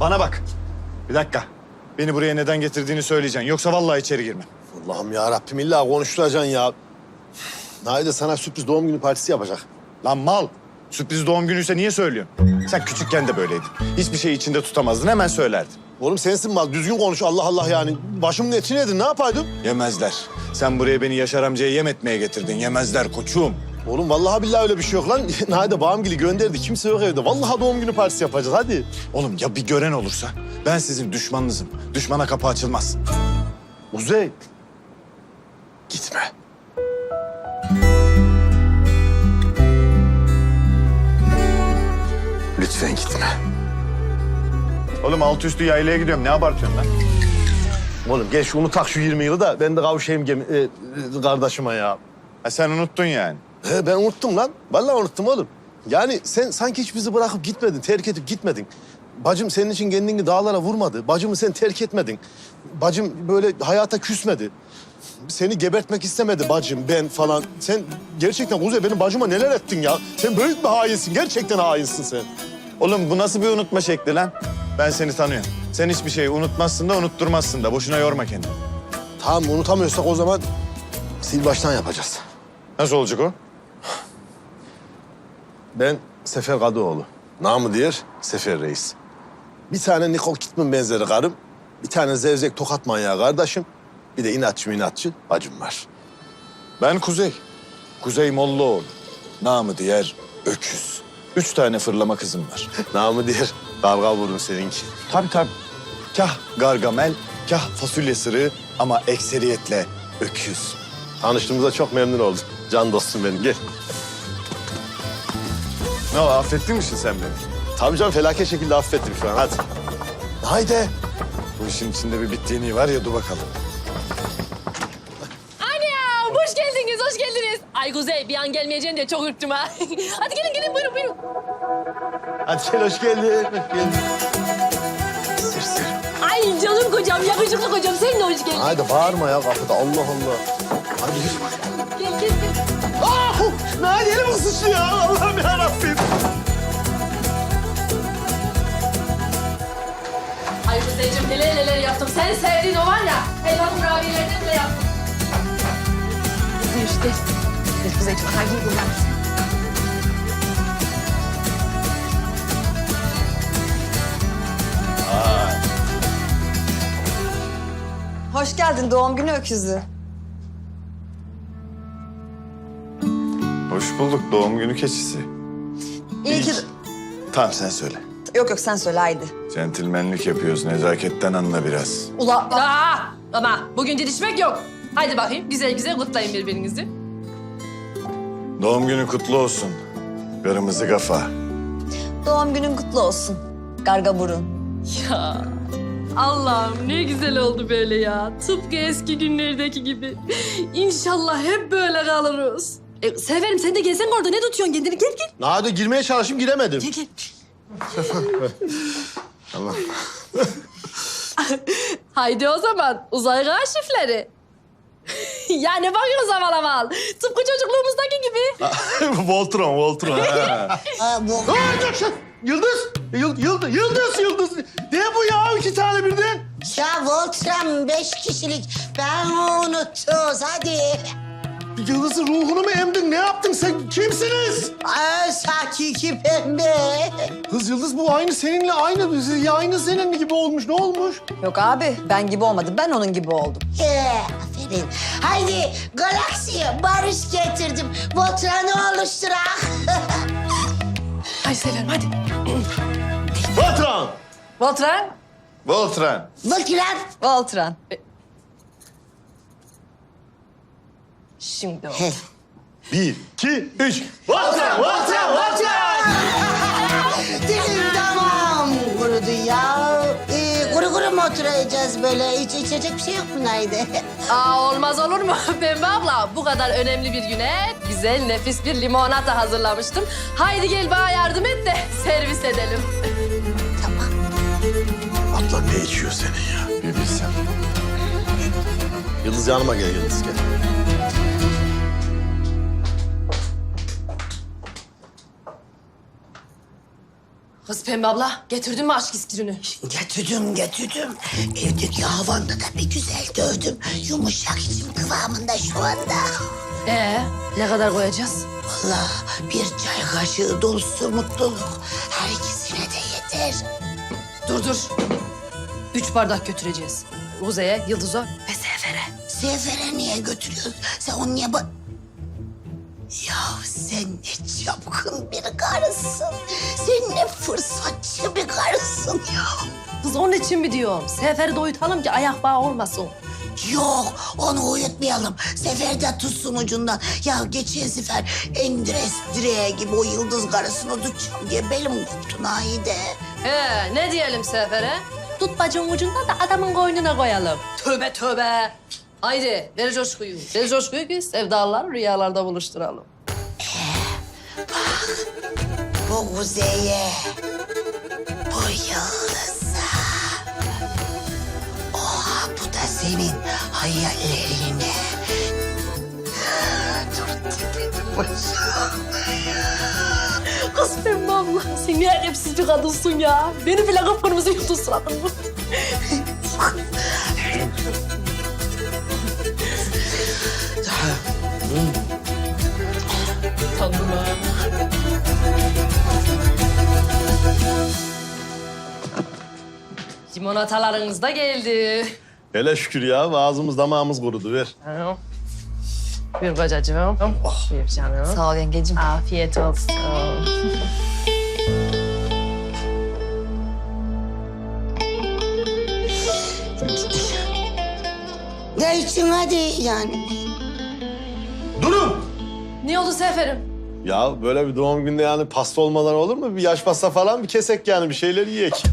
Bana bak. Bir dakika. Beni buraya neden getirdiğini söyleyeceksin. Yoksa vallahi içeri girmem. Allah'ım ya Rabbim illa konuşturacaksın ya. Naide sana sürpriz doğum günü partisi yapacak. Lan mal. Sürpriz doğum günüyse niye söylüyorsun? Sen küçükken de böyleydin. Hiçbir şeyi içinde tutamazdın, hemen söylerdin. Oğlum sensin mal, düzgün konuş Allah Allah yani. Başımın etini yedin, ne yapaydım? Yemezler. Sen buraya beni Yaşar amcaya yem etmeye getirdin. Yemezler koçum. Oğlum vallahi billahi öyle bir şey yok lan. Naide bağımgili gönderdi, kimse yok evde. Vallahi doğum günü partisi yapacağız, hadi. Oğlum ya bir gören olursa? Ben sizin düşmanınızım. Düşmana kapı açılmaz. Uzey. Gitme. Lütfen gitme. Oğlum altı üstü yaylaya gidiyorum. Ne abartıyorsun lan? Oğlum gel şunu tak şu 20 yılı da ben de kavuşayım kardeşime ya. Ha sen unuttun yani. He ben unuttum lan. Vallahi unuttum oğlum. Yani sen sanki hiç bizi bırakıp gitmedin, terk edip gitmedin. Bacım senin için kendini dağlara vurmadı. Bacımı sen terk etmedin. Bacım böyle hayata küsmedi. Seni gebertmek istemedi bacım, ben falan. Sen gerçekten Kuzey benim bacıma neler ettin ya? Sen büyük bir hainsin, gerçekten hainsin sen. Oğlum bu nasıl bir unutma şekli lan? Ben seni tanıyorum. Sen hiçbir şeyi unutmazsın da unutturmazsın da. Boşuna yorma kendini. Tamam unutamıyorsak o zaman sil baştan yapacağız. Nasıl olacak o? Ben Sefer Kadıoğlu. Namı diğer Sefer Reis. Bir tane Nicole Kidman benzeri karım, bir tane zevzek tokat manyağı kardeşim, bir de inatçı bacım var. Ben Kuzey. Kuzey Mollaoğlu. Namı diğer Öküz. 3 tane fırlama kızım var. Namı diğer kavga vurun seninki. Tabii tabii. Kah Gargamel, kah fasulye sırığı ama ekseriyetle öküz. Tanıştığımıza çok memnun oldum. Can dostum benim, gel. Ne o, affettin misin sen beni? Tabii canım, felaket şekilde affettim şu an, hadi. Haydi. Bu işin içinde bir bittiğini var ya, dur bakalım. Anam hoş geldiniz, hoş geldiniz. Ay Kuzey bir an gelmeyeceğini diye çok ürktüm ha. Hadi gelin buyurun buyurun. Hadi gel, hoş geldin, hoş geldin. Sır sır. Ay canım kocam, yakışıklı kocam sen de hoş geldin. Haydi bağırma ya kapıda, Allah Allah. Hadi yürü. Gel gel gel. Ah! Nail elim ısışı ya, Allah'ım yarabbim. Ay Kuzeyciğim neler yaptım. Senin sevdiğin o var ya, helva kurabiyelerden bile yaptım. Buyur gel. Gel Kuzeyciğim, aha giy bunlar. Hoş geldin doğum günü öküzü. Hoş bulduk doğum günü keçisi. İyi ki... Tamam sen söyle. Yok sen söyle haydi. Centilmenlik yapıyoruz, nezaketten anla biraz. Ula Ama bugün didişmek yok. Haydi bakayım güzel güzel kutlayın birbirinizi. Doğum günü kutlu olsun. Kırmızı kafa. doğum günün kutlu olsun. Garga burun. Ya Allah'ım ne güzel oldu böyle ya. Tıpkı eski günlerdeki gibi. İnşallah hep böyle kalırız. Severim sen de gelsene orada ne tutuyorsun kendini gel gel. Naide girmeye çalıştım, giremedim. Gel gel. Allah. Haydi o zaman uzay arşivleri. Ya ne bakıyorsun aval aval? Tıpkı çocukluğumuzdaki gibi. Voltron. Yıldız. Ne bu ya, 2 tane birden? Ya Voltram 5 kişilik. Ben unuttum. Hadi. Yıldız'ın ruhunu mu emdin? Ne yaptın sen? Kimsiniz? Ay, hakiki pembe. Kız Yıldız bu aynı seninle aynı senin gibi olmuş. Ne olmuş? Yok abi ben gibi olmadım. Ben onun gibi oldum. Aferin. Haydi galaksiye barış getirdim. Voltran'ı oluşturak. Ay severim hadi. Patron! Voltran. Voltron. Voltran. Voltran. Şimdi o. 1, 2, 3. Dilim tamam. Kurudu ya. Kuru mu oturacağız böyle? Hiç içecek bir şey yok mu Nayde? Olmaz olur mu Pembe abla? Bu kadar önemli bir güne güzel nefis bir limonata hazırlamıştım. Haydi gel bana yardım et de servis edelim. Abla ne içiyor senin ya? Bir bilsem. Yıldız yanıma gel, Yıldız gel. Kız Pembe abla getirdin mi aşk iskirini? Getirdim. Evdeki havanda da bir güzel dövdüm. Yumuşak içim kıvamında şu anda. Ne kadar koyacağız? Vallahi bir çay kaşığı dolusu mutluluk. Her ikisine de yeter. Dur. 3 bardak götüreceğiz. Kuzey'e, Yıldız'a ve Sefer'e. Sefer'e niye götürüyorsun? Sen onu niye Ya sen ne çapkın bir karısın. Sen ne fırsatçı bir karısın ya. Kız onun için mi diyorum? Sefer'i de uyutalım ki ayak bağı olmasın. Yok, onu uyutmayalım. Sefer de tutsun ucundan. Ya geçen sefer Endres direğe gibi o yıldız karısını tutacağım diye belim koptu Naide. Ne diyelim Sefer'e? Tut bacının ucundan da adamın koynuna koyalım. Tövbe. Haydi ver coşkuyu. Ver coşkuyu ki sevdalılar rüyalarda buluşturalım. Bu kuzeye, bu yıldıza. Oha, bu da senin hayallerine. Dur tepedim başım. Kız Pembe abla sen ne edepsiz bir kadınsın ya. Beni bile kıpkırmızı yutun suratın bu. Tanrım ha. Limonatalarınız da geldi. Hele şükür ya ağzımız damağımız kurudu ver. Buyur kocacığım. Buyur canım. Sağ ol yengecim. Afiyet olsun. Ne için hadi yani. Durun! Ne oldu Sefer'im? Ya böyle bir doğum günde yani pasta olmadan olur mu? Bir yaş pasta falan bir kesek yani bir şeyler yiyek.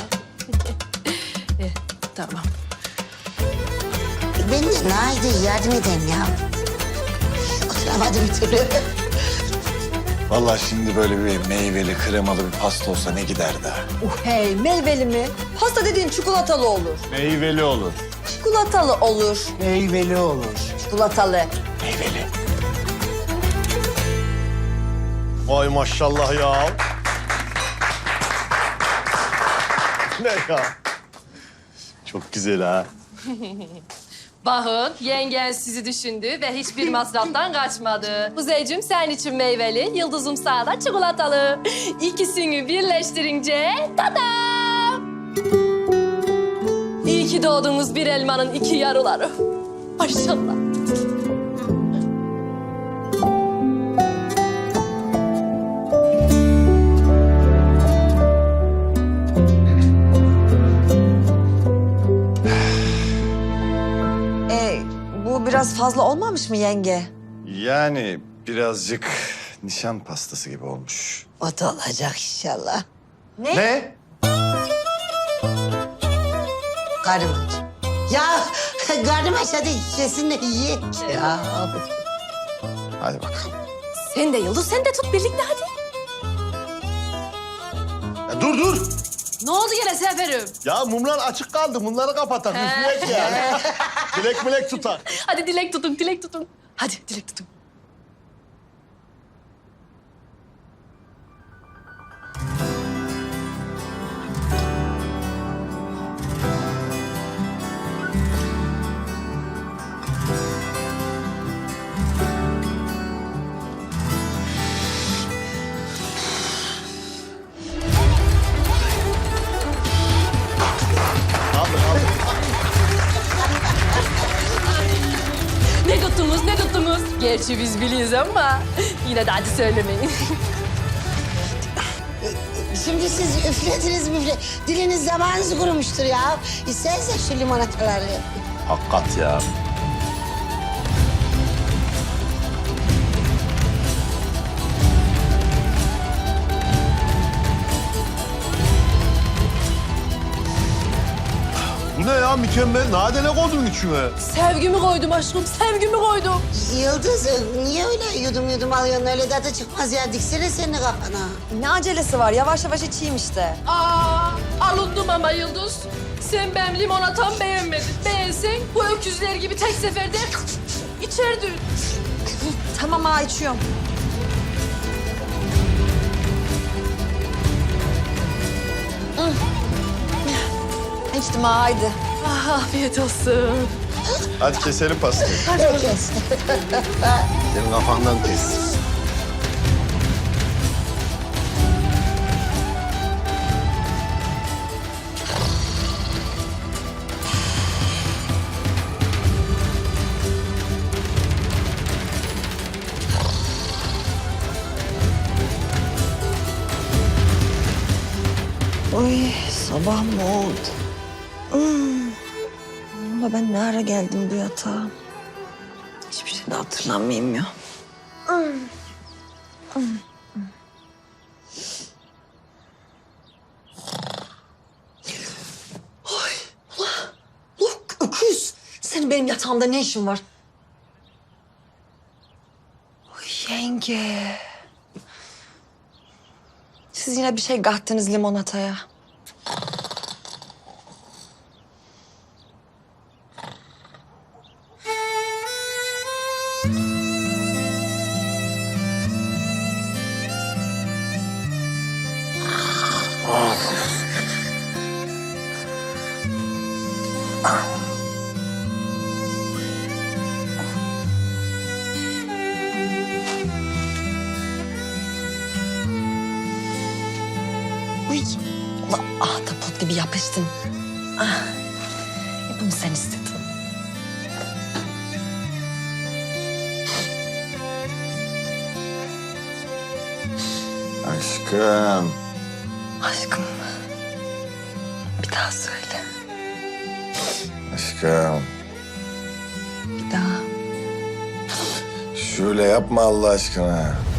Tamam. Ben de Naide yardım edeyim ya. Oturamadım bir türlü. Vallahi şimdi böyle bir meyveli, kremalı bir pasta olsa ne giderdi ha? Hey meyveli mi? Pasta dediğin çikolatalı olur. Meyveli olur. Çikolatalı olur. Meyveli olur. Çikolatalı. Meyveli. Vay maşallah ya. Ne ya? Çok güzel ha. Bakın yengen sizi düşündü ve hiçbir masraftan kaçmadı. Kuzeycim sen için meyveli, Yıldız'ım sana da çikolatalı. İkisini birleştirince tadam! İyi ki doğdunuz bir elmanın iki yarıları. Maşallah. Bu biraz fazla olmamış mı yenge? Yani birazcık nişan pastası gibi olmuş. O da olacak inşallah. Ne? Karım aç. Ya karım aç hadi kesinle ye. Ya. Hadi bakalım. Sen de Yıldız, sen de tut birlikte hadi. Ya dur! Ne oldu yine Sefer'im? Ya mumlar açık kaldı. Bunları kapatak. Üfleyek yani. Dilek tutar. Hadi dilek tutun. Hadi dilek tutun. Ne tuttunuz? Gerçi biz biliyoruz ama yine de hadi söylemeyin. Şimdi siz üflediniz müfle. Diliniz zamanınız kurumuştur ya. İsterseniz şu limonataları. Hakikat ya. Bu ne ya mükemmel? Nade ne koydun içime? Sevgimi koydum aşkım, sevgimi koydum. Yıldız niye öyle yudum alıyorsun? Öyle tadı çıkmaz ya. Diksene senin kafana. Ne acelesi var? Yavaş yavaş içeyim işte. Alındım ama Yıldız. Sen benim limonatamı beğenmedin. Beğensen bu öküzler gibi tek seferde içerdin. Tamam ha içiyorum. İçtim ha haydi. Ah, afiyet olsun. Hadi keselim pastayı. Herkes. Senin kafandan kes. Oy sabah mı oldu? Ama ben ne ara geldim bu yatağa? Hiçbir şey de hatırlamayayım ya. Öküz. Senin benim yatağımda ne işin var? Oy yenge. Siz yine bir şey kattınız limonataya. Uy, ulan ahtapot gibi yapıştın. Ah, bunu sen istedin. Aşkım. Aşkım, bir daha söyle. Aşkım. Bir daha. Şöyle yapma Allah aşkına.